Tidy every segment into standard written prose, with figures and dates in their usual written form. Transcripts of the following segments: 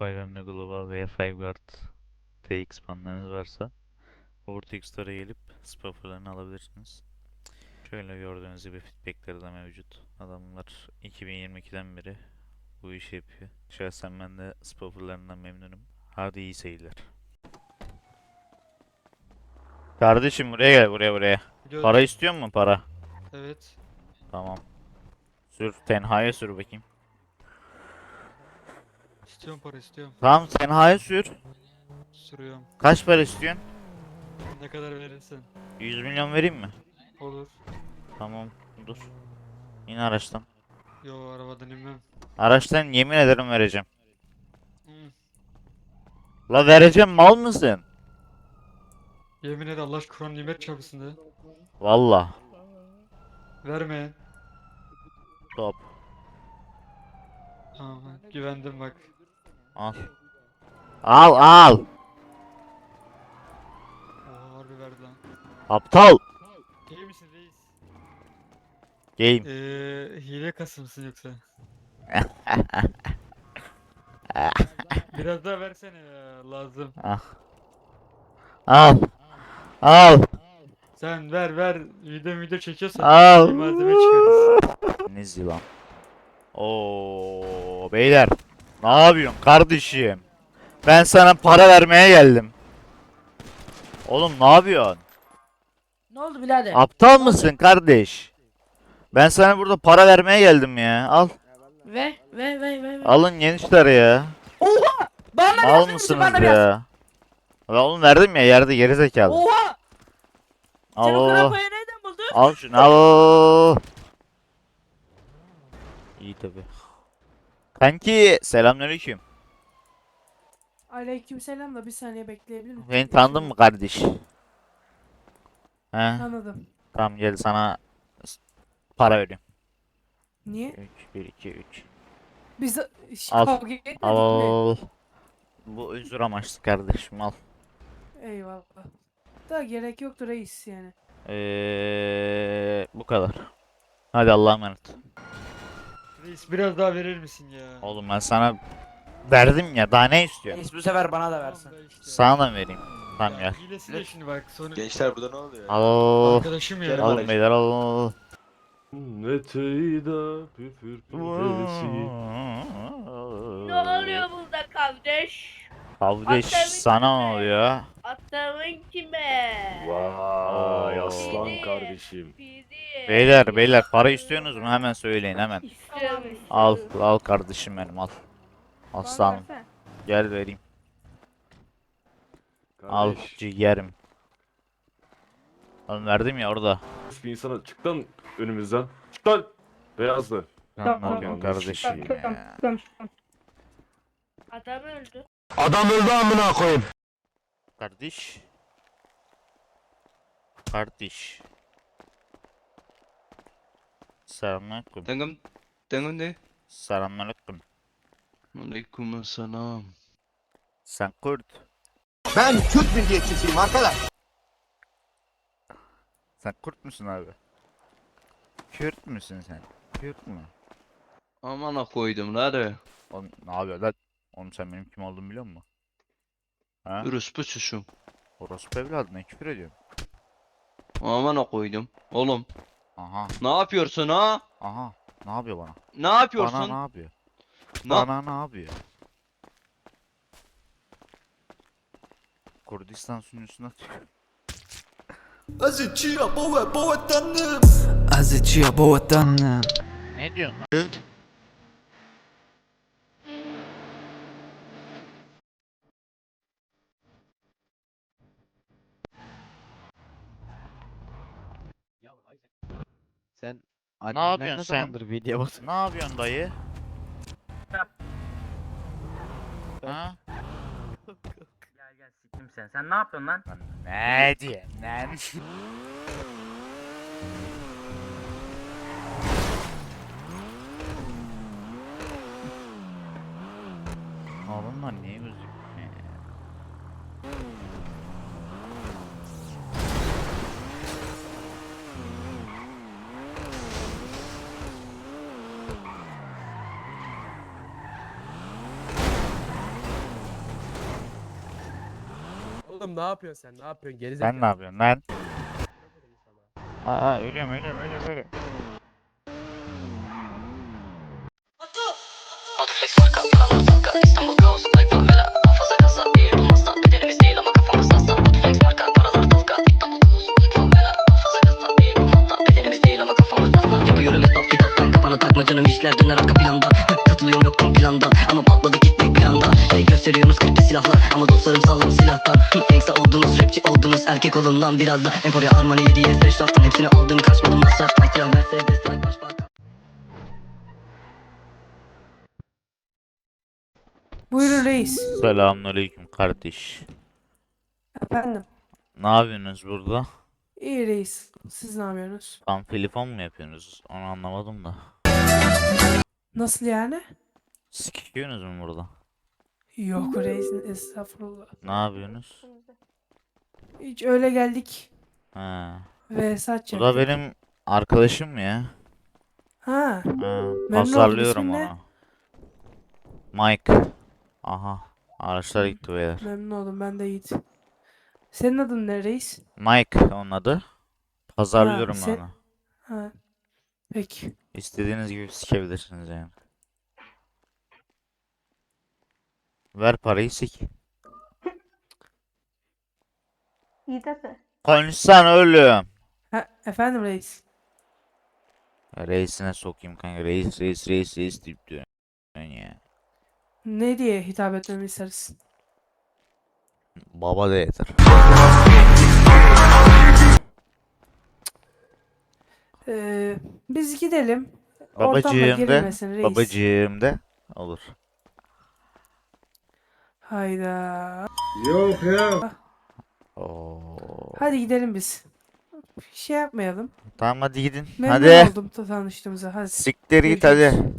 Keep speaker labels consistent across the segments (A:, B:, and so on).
A: Firearm Global veya Fiveguard TX banlarınız varsa Vortex Store'a gelip spafferlarını alabilirsiniz. Şöyle gördüğünüz gibi feedbackleri de mevcut. Adamlar 2022'den beri bu işi yapıyor. Şahsen ben de spafferlarından memnunum. Hadi iyi seyirler. Kardeşim buraya gel, buraya.
B: Biliyorum.
A: Para istiyor musun, para?
B: Evet.
A: Tamam. Sür tenhaya sür bakayım.
B: İstiyorum, para istiyorum.
A: Tamam, tenhaya sür.
B: Sürüyorum.
A: Kaç para istiyorsun?
B: Ne kadar verirsen.
A: 100 milyon vereyim mi?
B: Olur.
A: Tamam, dur. İn araçtan.
B: Yo, arabadan inmem.
A: Araçtan yemin ederim vereceğim.
B: Hı.
A: La vereceğim, mal mısın?
B: Yemin et, Allah Kur'an nimet çarpsın de.
A: Valla.
B: Verme.
A: Top.
B: Tamam, güvendim bak.
A: Al. Al.
B: Oha, harbi verdi lan.
A: Aptal.
B: İyi misin reis?
A: Game.
B: Hile kasımsın yoksa? Biraz daha versene ya, lazım.
A: Ah. Al. Al.
B: Sen ver. Video çekiyorsan
A: Al.
B: bir malzeme çıkarız.
A: Ne zilan. Oo beyler. Ne yapıyorsun kardeşim? Ben sana para vermeye geldim. Oğlum ne yapıyorsun?
C: Ne oldu birader?
A: Aptal mısın kardeş? Ben sana burada para vermeye geldim ya. Al.
C: Ver.
A: Alın gençler ya.
C: Oha! Bana
A: Al
C: versene misin?
A: mısınız
C: Bana biraz.
A: ya? Ya oğlum verdim ya, yerde gerizekalı.
C: Oha! Sen o
A: Al.
C: krampayı nereden buldun?
A: Al şunu al. İyi tabi. Kanki selamünaleyküm.
D: Aleykümselam da bir saniye bekleyebilir miyim?
A: Beni tanıdın mı kardeş? He?
D: Tanıdım.
A: Tamam gel sana para veriyorum.
D: Niye?
A: 3 1 2 3.
D: Biz
A: Al.
D: kavga etmedik mi?
A: Al. Bu özür amaçlı kardeşim, al.
D: Eyvallah. Da gerek yoktu reis yani.
A: Bu kadar. Hadi Allah'a emanet.
B: Reis, biraz daha verir misin ya?
A: Oğlum ben sana verdim ya, daha ne istiyorsun?
C: Reis bu sefer bana da versin.
B: Tamam da işte.
A: Sana da mı vereyim? Tamam
B: Ya,
A: gel.
B: hilesi de şimdi bak. Sonra
E: Gençler burada ne oluyor?
A: Al.
B: arkadaşım ya.
A: Al beyler al.
F: Neteyda püfür püfüresi.
G: Ne oluyor burada kardeş?
A: Kardeş
G: Atlarım
A: sana ne
G: kime?
A: oluyor?
G: Atların kime?
F: Vay
A: Oo.
F: aslan
G: Bizi,
F: kardeşim.
G: bizi.
A: Beyler para istiyorsunuz mu? Hemen söyleyin hemen.
G: İstiyorum.
A: Al kardeşim benim, al. Aslanım. Gel vereyim. Al
F: Kardeş.
A: ciğerim. Oğlum verdim ya orada.
F: Bir insana çık lan önümüzden. Çık lan. Beyazlı.
A: Ne yapıyorsun
F: Tamam,
A: kardeşim ya?
G: Adam öldü.
A: Kardeş. Kardeş. Selamünaleyküm.
E: Tengam ne?
A: Selamünaleyküm.
E: Aleykümselam.
A: Sen Kürt.
H: Ben Türk milliyetçisiyim arkadaş.
A: Sen Kürt müsün abi? Kürt müsün sen? Kürt mü?
E: Amana koydum hadi.
A: Oğlum ne yapıyor lan? Oğlum sen benim kim olduğumu biliyor musun? Ha?
E: Orospu çocuğum.
A: Orospu evladına küfür ediyorsun.
E: Amana koydum. Oğlum
A: Aha.
E: ne yapıyorsun ha?
A: Aha. Ne yapıyor bana?
E: Ne yapıyorsun?
A: Bana ne yapıyor?
E: Ne-
A: Bana ne yapıyor? Kurdistan sunucusuna atıyor.
H: Azıcıya boğa tanrım.
I: Azıcıya boğatanım.
A: Ne diyorsun lan?
J: Sen
A: Ne yapıyorsun
J: ne
A: sen?
J: zamandır video basın?
A: Ne yapıyorsun dayı? Ha?
J: Gel sikim sen. Sen ne yapıyorsun lan?
A: Lan ne diyorsun lan? Oğlum lan niye gözükmüyor?
K: Oğlum ne yapıyorsun sen? Ne yapıyorsun? Gerizekalı.
A: Sen ne yapıyorsun lan? Aa ölüyorum.
I: İstanbul kaos, like favela, hafıza kasa, bir olmazsa bedenimiz değil ama kafamız hasta. Flex marka, paralar tafka. İstanbul kaos, like favela, hafıza kasa, bir olmazsa bedenimiz değil ama kafamız hasta. Yapıyorum hesap kitaptan, kafana takma canım işler döner arka planda. Katılıyorum yoktum planda ama patladı gittik bir anda. Gösteriyorsunuz kripli silahlar ama dostlarım salladı silahtan. Gangsta oldunuz, rapçi oldunuz, erkek olun lan biraz da. Emporia, Armani, 7'ye 5 laftan hepsini aldım, kaçmadım masraf. Taktiren, Mercedes, like başbakan.
D: Buyurun reis.
A: Selamünaleyküm kardeş.
D: Efendim.
A: Ne yapıyorsunuz burada?
D: İyi reis. Siz ne yapıyorsunuz?
A: Tam telefon mu yapıyorsunuz? Onu anlamadım da.
D: Nasıl yani?
A: Sikiyorsunuz mu burada?
D: Yok reis, estağfurullah.
A: Ne yapıyorsunuz?
D: Hiç öyle geldik
A: Ha.
D: ve saç
A: Bu da
D: yaptık.
A: benim arkadaşım ya.
D: Ha,
A: Ha.
D: oldum,
A: Pazarlıyorum
D: ismin ne?
A: onu. Mike. Aha. Araçlar gitti beyler.
D: memnun oldum, ben de Yiğit. Senin adın ne reis?
A: Mike onun adı. Pazarlıyorum
D: sen-
A: onu.
D: Ha. Peki.
A: İstediğiniz gibi sikebilirsiniz yani. Ver parayı sik. Konuşsana oğlum.
D: Ha, efendim reis.
A: Reisine sokayım kanka. Reis deyip diyor. Ya.
D: Ne diye hitap etmemi istersin?
A: Baba da yeter.
D: Biz gidelim. Ortamda
A: Babacığım de.
D: gerilmesin reis.
A: Babacığım de. Olur.
D: Hayda.
H: Yok ya.
A: Oo.
D: Hadi gidelim biz. Şey yapmayalım.
A: Tamam hadi gidin.
D: Memnun
A: Hadi.
D: oldum tanıştığımıza. Hadi.
A: Siktir git
D: Görüşürüz.
A: hadi.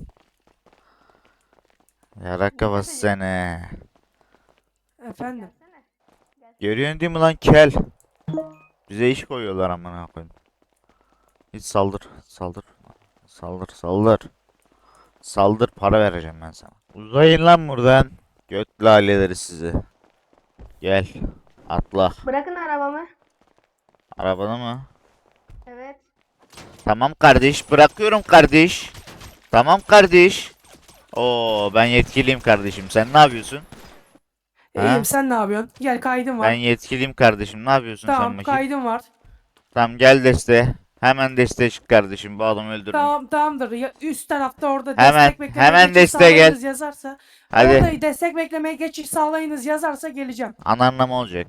A: Yarak kafası seni.
D: Efendim.
A: Görüyorsun değil mi lan kel? Bize iş koyuyorlar amına koyayım. Hiç saldır. Saldır para vereceğim ben sana. Uzayın lan buradan. Göt laleleri sizi. Gel. Atla.
G: Bırakın arabamı.
A: Arabada mı?
G: Evet.
A: Tamam kardeş. Bırakıyorum kardeş. Tamam kardeş. Oo ben yetkiliyim kardeşim. Sen ne yapıyorsun? Ha?
D: İyiyim, sen ne yapıyorsun? Gel, kaydım var.
A: Ben yetkiliyim kardeşim. Ne yapıyorsun sen
D: Tamam,
A: bakayım?
D: kaydım var.
A: Tamam gel desteğe. Hemen desteğe çık kardeşim. Bu adamı öldürme.
D: Tamam, tamamdır. Ya, üst tarafta orada
A: Hemen-
D: destek bekleme
A: hemen
D: geçiş
A: desteğe gel.
D: sağlayınız yazarsa.
A: Hadi.
D: Orada destek beklemeye geçiş sağlayınız yazarsa geleceğim.
A: Ananlama olacak.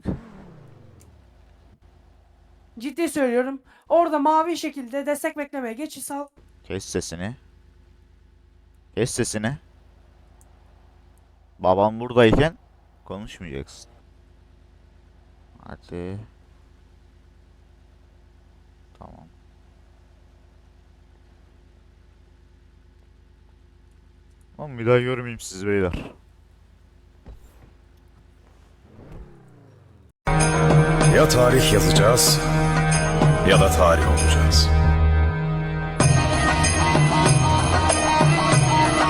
D: Ciddi söylüyorum. Orada mavi şekilde destek beklemeye geçiş sağ...
A: Kes sesini. Kes sesini. Babam buradayken konuşmayacaksın. Hadi. Tamam. Ama bir daha görmeyeyim sizi beyler.
H: Ya tarih yazacağız ya da tarih olacağız.